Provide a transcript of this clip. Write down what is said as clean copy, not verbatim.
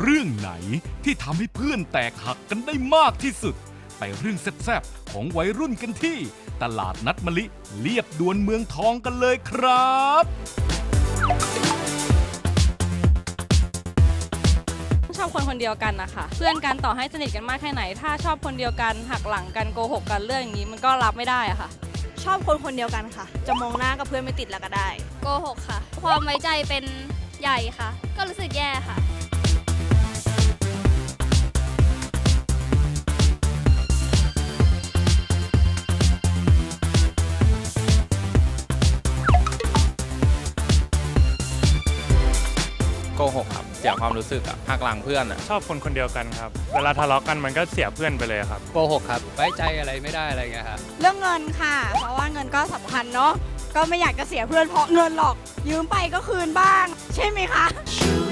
รื่องไหนที่ทำให้เพื่อนแตกหักกันได้มากที่สุด ไปเรื่องแซ่บๆของวัยรุ่นกันที่ตลาดนัดมะลิเลียบด่วนเมืองทองกันเลยครับชอบคนคนเดียวกันนะคะเพื่อนกันต่อให้สนิทกันมากแค่ไหนถ้าชอบคนเดียวกันหักหลังกันโกหกกันเรื่องอย่างนี้มันก็รับไม่ได้อะค่ะชอบคนคนเดียวกันค่ะจะมองหน้ากับเพื่อนไม่ติดแล้วก็ได้โกหกค่ะความไว้ใจเป็นใหญ่ค่ะ ก็รู้สึกแย่ค่ะโกหกครับเสียความรู้สึกอะหักหลังเพื่อนอะชอบคนคนเดียวกันครับเวลาทะเลาะกันมันก็เสียเพื่อนไปเลยครับโกหกครับไว้ใจอะไรไม่ได้อะไรเงี้ยครับเรื่องเงินค่ะเพราะว่าเงินก็สำคัญเนาะก็ไม่อยากจะเสียเพื่อนเพราะเงินหรอกยืมไปก็คืนบ้างใช่ไหมคะ